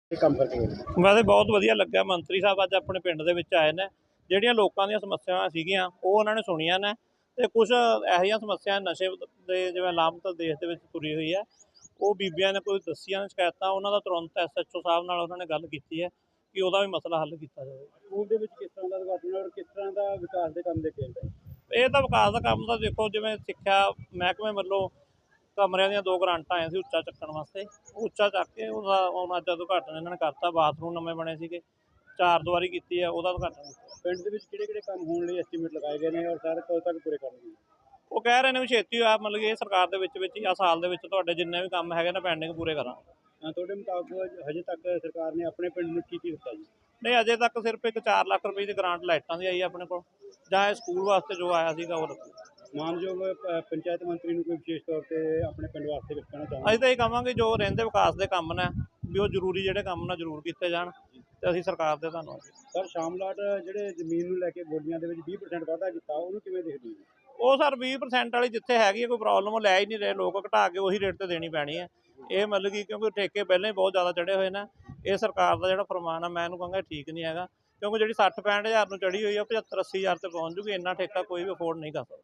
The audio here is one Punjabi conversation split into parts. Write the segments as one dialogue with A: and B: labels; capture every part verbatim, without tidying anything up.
A: ਕੰਮ ਕਰਕੇ
B: ਵੈਸੇ ਬਹੁਤ ਵਧੀਆ ਲੱਗਾ। ਮੰਤਰੀ ਸਾਹਿਬ ਅੱਜ ਆਪਣੇ ਪਿੰਡ ਦੇ ਵਿੱਚ ਆਏ ਨੇ, ਜਿਹੜੀਆਂ ਲੋਕਾਂ ਦੀਆਂ ਸਮੱਸਿਆਵਾਂ ਸੀਗੀਆਂ ਉਹ ਉਹਨਾਂ ਨੇ ਸੁਣੀਆਂ ਨੇ, ਤੇ ਕੁਛ ਇਹੋ ਜਿਹੀਆਂ ਸਮੱਸਿਆ ਨਸ਼ੇ ਦੇ ਜਿਵੇਂ ਲਾਮਤ ਦੇਸ਼ ਦੇ ਵਿੱਚ ਤੁਰੀ ਹੋਈ ਹੈ, ਉਹ ਬੀਬੀਆਂ ਨੇ ਕੋਈ ਦੱਸੀਆਂ ਨੇ ਸ਼ਿਕਾਇਤਾਂ, ਉਹਨਾਂ ਦਾ ਤੁਰੰਤ ਐਸ ਐਚ ਓ ਸਾਹਿਬ ਨਾਲ ਉਹਨਾਂ ਨੇ ਗੱਲ ਕੀਤੀ ਹੈ ਕਿ ਉਹਦਾ ਵੀ ਮਸਲਾ ਹੱਲ ਕੀਤਾ ਜਾਵੇ।
A: ਸਕੂਲ ਦੇ ਵਿੱਚ ਕਿਸ ਤਰ੍ਹਾਂ ਦਾ ਉਦਘਾਟਨ ਔਰ ਕਿਸ ਤਰ੍ਹਾਂ ਦਾ ਵਿਕਾਸ ਦੇ ਕੰਮ ਦੇਖੇ ਜਾਂਦੇ?
B: ਇਹ ਤਾਂ ਵਿਕਾਸ ਦਾ ਕੰਮ ਤਾਂ ਦੇਖੋ, ਜਿਵੇਂ ਸਿੱਖਿਆ ਮਹਿਕਮੇ ਵੱਲੋਂ ਕਮਰਿਆਂ ਦੀਆਂ ਦੋ ਗਰਾਂਟਾਂ ਆਈਆਂ ਸੀ ਉੱਚਾ ਚੱਕਣ ਵਾਸਤੇ, ਉੱਚਾ ਚੱਕ ਕੇ ਉਹਦਾ ਹੁਣ ਅੱਜ ਉਦਘਾਟਨ ਇਹਨਾਂ ਨੇ ਕਰਤਾ। ਬਾਥਰੂਮ ਨਵੇਂ ਬਣੇ ਸੀਗੇ, ਚਾਰ ਦੀਵਾਰੀ ਕੀਤੀ ਹੈ, ਉਹਦਾ ਉਦਘਾਟਨ ਕੀਤਾ।
A: ਪਿੰਡ ਦੇ ਵਿੱਚ ਕਿਹੜੇ ਕਿਹੜੇ ਕੰਮ ਹੋਣ ਲਈ ਐਸਟੀਮੇਟ ਲਗਾਏ ਗਏ ਨੇ ਔਰ ਸਾਰੇ ਕਦੋਂ ਤੱਕ ਪੂਰੇ ਕਰਨਗੇ?
B: ਉਹ ਕਹਿ ਰਹੇ ਨੇ ਵੀ ਛੇਤੀ ਹੋਇਆ, ਮਤਲਬ ਕਿ ਇਹ ਸਰਕਾਰ ਦੇ ਵਿੱਚ ਵਿੱਚ ਜਾਂ ਸਾਲ ਦੇ ਵਿੱਚ ਤੁਹਾਡੇ ਜਿੰਨੇ ਵੀ ਕੰਮ ਹੈਗੇ ਨੇ ਪੈਂਡਿੰਗ ਪੂਰੇ ਕਰਾਂਗੇ।
A: ਤੁਹਾਡੇ ਮੁਤਾਬਕ ਹਜੇ ਤੱਕ ਸਰਕਾਰ ਨੇ ਆਪਣੇ ਪਿੰਡ ਨੂੰ ਕੀ ਕੀ ਦਿੱਤਾ ਜੀ?
B: ਨਹੀਂ, ਅਜੇ ਤੱਕ ਸਿਰਫ ਇੱਕ ਚਾਰ ਲੱਖ ਰੁਪਏ ਦੀ ਗਰਾਂਟ ਲਾਈਟਾਂ ਦੀ ਆਈ ਆਪਣੇ ਕੋਲ, ਜਾਂ ਇਹ ਸਕੂਲ ਵਾਸਤੇ ਜੋ ਆਇਆ ਸੀਗਾ ਉਹ ਰੱਖੋ।
A: ਮਾਨਯੋਗ ਪੰਚਾਇਤ ਮੰਤਰੀ ਨੂੰ ਕੋਈ ਵਿਸ਼ੇਸ਼ ਤੌਰ ਤੇ ਆਪਣੇ ਪਿੰਡ ਵਾਸਤੇ ਕੁਝ ਕਹਿਣਾ ਚਾਹੁੰਦੇ?
B: ਅਸੀਂ ਤਾਂ ਇਹ ਕਹਾਂਗੇ ਜੋ ਰਹਿੰਦੇ ਵਿਕਾਸ ਦੇ ਕੰਮ ਨੇ ਵੀ ਉਹ ਜ਼ਰੂਰੀ ਜਿਹੜੇ ਕੰਮ ਨੇ ਜ਼ਰੂਰ ਕੀਤੇ ਜਾਣ, ਤੇ ਅਸੀਂ ਸਰਕਾਰ ਦੇ ਧੰਨਵਾਦ।
A: ਸਰ, ਸ਼ਾਮਲਾਟ ਜਿਹੜੇ ਜ਼ਮੀਨ ਨੂੰ ਲੈ ਕੇ ਬੋਲੀਆਂ ਦੇ ਵਿੱਚ ਵੀਹ ਪ੍ਰਸੈਂਟ ਵਾਧਾ ਕੀਤਾ, ਉਹਨੂੰ ਕਿਵੇਂ ਦੇਖਦੇ ਹੋ?
B: ਉਹ ਸਰ ਵੀਹ ਪ੍ਰਸੈਂਟ ਵਾਲੀ ਜਿੱਥੇ ਹੈਗੀ ਹੈ ਕੋਈ ਪ੍ਰੋਬਲਮ, ਉਹ ਲੈ ਹੀ ਨਹੀਂ ਰਹੇ ਲੋਕ, ਘਟਾ ਕੇ ਉਹੀ ਰੇਟ ਤੇ ਦੇਣੀ ਪੈਣੀ ਹੈ। ਇਹ ਮਤਲਬ ਕਿ ਕਿਉਂਕਿ ਠੇਕੇ ਪਹਿਲਾਂ ਹੀ ਬਹੁਤ ਜ਼ਿਆਦਾ ਚੜ੍ਹੇ ਹੋਏ ਨੇ, ਇਹ ਸਰਕਾਰ ਦਾ ਜਿਹੜਾ ਫਰਮਾਨ ਆ ਮੈਂ ਇਹਨੂੰ ਕਹਾਂਗਾ ਠੀਕ ਨਹੀਂ ਹੈਗਾ, ਕਿਉਂਕਿ ਜਿਹੜੀ ਸੱਠ ਪੈਂਹਠ ਹਜ਼ਾਰ ਨੂੰ ਚੜ੍ਹੀ ਹੋਈ ਆ ਪਝੱਤਰ ਅੱਸੀ ਹਜ਼ਾਰ ਤੇ ਪਹੁੰਚ ਜੂਗੀ। ਇੰਨਾ ਠੇਕਾ ਕੋਈ ਵੀ ਅਫੋਰਡ ਨਹੀਂ ਕਰ ਸਕਦਾ।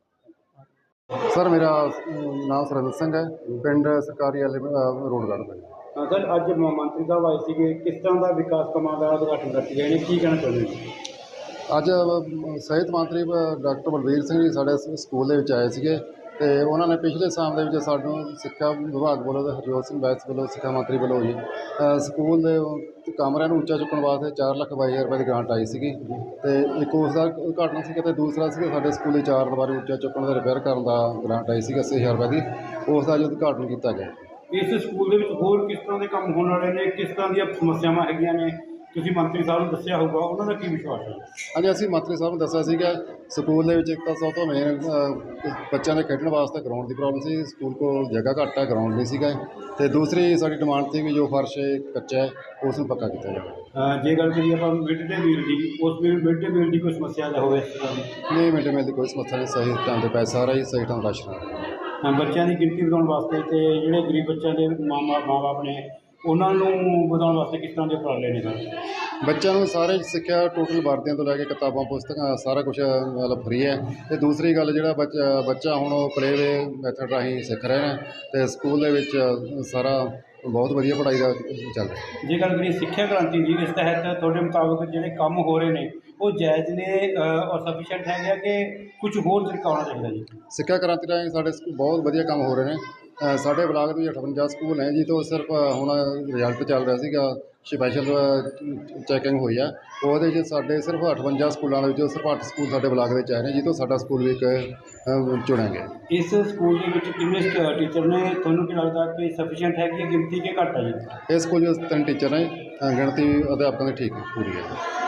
C: ਸਰ, ਮੇਰਾ ਨਾਮ ਸੁਰਿੰਦਰ ਸਿੰਘ ਹੈ, ਪਿੰਡ ਸਰਕਾਰੀ ਵਾਲੇ ਰੋਡ ਗੜ੍ਹਦਾ।
A: ਹਾਂ ਸਰ, ਅੱਜ ਮੰਤਰੀ ਸਾਹਿਬ ਆਏ ਸੀਗੇ, ਕਿਸ ਤਰ੍ਹਾਂ ਦਾ ਵਿਕਾਸ ਕੰਮਾਂ ਦਾ ਉਦਘਾਟਨ ਕਰਕੇ ਗਏ ਨੇ, ਕੀ ਕਹਿਣਾ ਚਾਹੁੰਦੇ ਹੋ?
C: ਅੱਜ ਸਿਹਤ ਮੰਤਰੀ ਡਾਕਟਰ ਬਲਬੀਰ ਸਿੰਘ ਜੀ ਸਾਡੇ ਸਕੂਲ ਦੇ ਵਿੱਚ ਆਏ ਸੀਗੇ, ਅਤੇ ਉਹਨਾਂ ਨੇ ਪਿਛਲੇ ਸਾਲ ਦੇ ਵਿੱਚ ਸਾਨੂੰ ਸਿੱਖਿਆ ਵਿਭਾਗ ਵੱਲੋਂ ਅਤੇ ਹਰਜੋਤ ਸਿੰਘ ਬੈਂਸ ਵੱਲੋਂ ਸਿੱਖਿਆ ਮੰਤਰੀ ਵੱਲੋਂ ਜੀ ਸਕੂਲ ਦੇ ਕਮਰਿਆਂ ਨੂੰ ਉੱਚਾ ਚੁੱਕਣ ਵਾਸਤੇ ਚਾਰ ਲੱਖ ਬਾਈ ਹਜ਼ਾਰ ਰੁਪਏ ਦੀ ਗ੍ਰਾਂਟ ਆਈ ਸੀਗੀ, ਅਤੇ ਇੱਕ ਉਸ ਦਾ ਉਦਘਾਟਨ ਸੀਗਾ, ਅਤੇ ਦੂਸਰਾ ਸੀਗਾ ਸਾਡੇ ਸਕੂਲ ਦੀ ਚਾਰ ਦੀਵਾਰੀ ਉੱਚਾ ਚੁੱਕਣ ਦਾ ਰਿਪੇਅਰ ਕਰਨ ਦਾ ਗ੍ਰਾਂਟ ਆਈ ਸੀਗੀ ਅੱਸੀ ਹਜ਼ਾਰ ਰੁਪਏ ਦੀ, ਉਸ ਦਾ ਅੱਜ ਉਦਘਾਟਨ ਕੀਤਾ ਗਿਆ।
A: ਇਸ ਸਕੂਲ ਦੇ ਵਿੱਚ ਹੋਰ ਕਿਸ ਤਰ੍ਹਾਂ ਦੇ ਕੰਮ ਹੋਣ ਵਾਲੇ ਨੇ, ਕਿਸ ਤਰ੍ਹਾਂ ਦੀਆਂ ਸਮੱਸਿਆਵਾਂ ਹੈਗੀਆਂ ਨੇ, ਤੁਸੀਂ ਮੰਤਰੀ ਸਾਹਿਬ ਨੂੰ ਦੱਸਿਆ ਹੋਊਗਾ, ਉਹਨਾਂ ਦਾ ਕੀ ਵਿਸ਼ਵਾਸ ਹੈ?
C: ਹਾਂਜੀ, ਅਸੀਂ ਮੰਤਰੀ ਸਾਹਿਬ ਨੂੰ ਦੱਸਿਆ ਸੀਗਾ ਸਕੂਲ ਦੇ ਵਿੱਚ ਇੱਕ ਤਾਂ ਸਭ ਤੋਂ ਮੇਨ ਬੱਚਿਆਂ ਦੇ ਖੇਡਣ ਵਾਸਤੇ ਗਰਾਊਂਡ ਦੀ ਪ੍ਰੋਬਲਮ ਸੀ, ਸਕੂਲ ਕੋਲ ਜਗ੍ਹਾ ਘੱਟ ਹੈ, ਗਰਾਊਂਡ ਨਹੀਂ ਸੀਗਾ, ਅਤੇ ਦੂਸਰੀ ਸਾਡੀ ਡਿਮਾਂਡ ਸੀ ਵੀ ਜੋ ਫਰਸ਼ ਕੱਚਾ ਹੈ ਉਸ ਨੂੰ ਪੱਕਾ ਕੀਤਾ ਜਾਵੇ।
A: ਜੇ ਗੱਲ ਕਰੀਏ ਆਪਾਂ ਮਿਡ ਡੇ ਮੀਲ ਦੀ, ਉਸ ਮਿਡ ਡੇ ਮੀਲ ਦੀ ਕੋਈ ਸਮੱਸਿਆ ਦਾ ਹੋਵੇ?
C: ਨਹੀਂ, ਮਿਡ ਡੇ ਮੀਲ ਦੀ ਕੋਈ ਸਮੱਸਿਆ ਨਹੀਂ, ਸਹੀ ਟਾਈਮ 'ਤੇ ਪੈਸਾ ਆ ਰਿਹਾ, ਸਹੀ ਟਾਈਮ ਰਾਸ਼ਨ ਆ ਰਿਹਾ।
A: ਬੱਚਿਆਂ ਦੀ ਗਿਣਤੀ ਵਧਾਉਣ ਵਾਸਤੇ ਅਤੇ ਜਿਹੜੇ ਗਰੀਬ ਬੱਚਿਆਂ ਦੇ ਮਾਂ ਮਾਂ ਬਾਪ ਨੇ ਉਹਨਾਂ ਨੂੰ ਵਧਾਉਣ ਵਾਸਤੇ ਕਿਸ ਤਰ੍ਹਾਂ ਦੇ ਉਪਰਾਲੇ ਨੇ ਸਰ?
C: ਬੱਚਿਆਂ ਨੂੰ ਸਾਰੇ ਸਿੱਖਿਆ ਟੋਟਲ ਵਰਦੀਆਂ ਤੋਂ ਲੈ ਕੇ ਕਿਤਾਬਾਂ ਪੁਸਤਕਾਂ ਸਾਰਾ ਕੁਛ ਮਤਲਬ ਫਰੀ ਹੈ। ਅਤੇ ਦੂਸਰੀ ਗੱਲ, ਜਿਹੜਾ ਬੱਚਾ ਬੱਚਾ ਹੁਣ ਉਹ ਪਲੇਵੇ ਮੈਥਡ ਰਾਹੀਂ ਸਿੱਖ ਰਹੇ ਨੇ, ਅਤੇ ਸਕੂਲ ਦੇ ਵਿੱਚ ਸਾਰਾ ਬਹੁਤ ਵਧੀਆ ਪੜ੍ਹਾਈ ਦਾ ਚੱਲ ਰਿਹਾ।
A: ਜੇ ਗੱਲ ਕਰੀਏ ਸਿੱਖਿਆ ਕ੍ਰਾਂਤੀ ਦੀ, ਇਸ ਤਹਿਤ ਤੁਹਾਡੇ ਮੁਤਾਬਕ ਜਿਹੜੇ ਕੰਮ ਹੋ ਰਹੇ ਨੇ ਉਹ ਜਾਇਜ਼ ਨੇ ਔਰ ਸਫੀਸ਼ੀਐਂਟ ਹੈਗੇ ਆ ਕਿ ਕੁਝ ਹੋਰ ਤਰੀਕਾ ਹੋਣਾ ਚਾਹੀਦਾ ਜੀ?
C: ਸਿੱਖਿਆ ਕ੍ਰਾਂਤੀ ਰਾਹੀਂ ਸਾਡੇ ਸਕੂਲ ਬਹੁਤ ਵਧੀਆ ਕੰਮ ਹੋ ਰਹੇ ਨੇ। ਸਾਡੇ ਬਲਾਕ ਦੇ ਵਿੱਚ ਅਠਵੰਜਾ ਸਕੂਲ ਨੇ ਜੀ, ਤੋਂ ਸਿਰਫ ਹੁਣ ਰਿਜ਼ਲਟ ਚੱਲ ਰਿਹਾ ਸੀਗਾ, ਸਪੈਸ਼ਲ ਚੈਕਿੰਗ ਹੋਈ ਆ, ਉਹਦੇ 'ਚ ਸਾਡੇ ਸਿਰਫ ਅਠਵੰਜਾ ਸਕੂਲਾਂ ਦੇ ਵਿੱਚੋਂ ਸਿਰਫ ਅੱਠ ਸਕੂਲ ਸਾਡੇ ਬਲਾਕ ਦੇ ਵਿੱਚ ਆਏ ਨੇ, ਜਿਸ ਤੋਂ ਸਾਡਾ ਸਕੂਲ ਵੀ ਇੱਕ ਚੁਣਿਆ ਗਿਆ।
A: ਇਸ ਸਕੂਲ ਦੇ ਵਿੱਚ ਕਿੰਨੇ ਟੀਚਰ ਨੇ? ਤੁਹਾਨੂੰ ਕੀ ਲੱਗਦਾ ਕਿ ਸਫੀਸ਼ੀਐਂਟ ਹੈਗੀ ਹੈ ਗਿਣਤੀ ਕਿ ਘੱਟ ਹੈ ਜੀ?
C: ਇਸ ਸਕੂਲ ਵਿੱਚ ਤਿੰਨ ਟੀਚਰ ਨੇ, ਗਿਣਤੀ ਅਧਿਆਪਕਾਂ ਦੀ ਠੀਕ ਪੂਰੀ ਹੈ।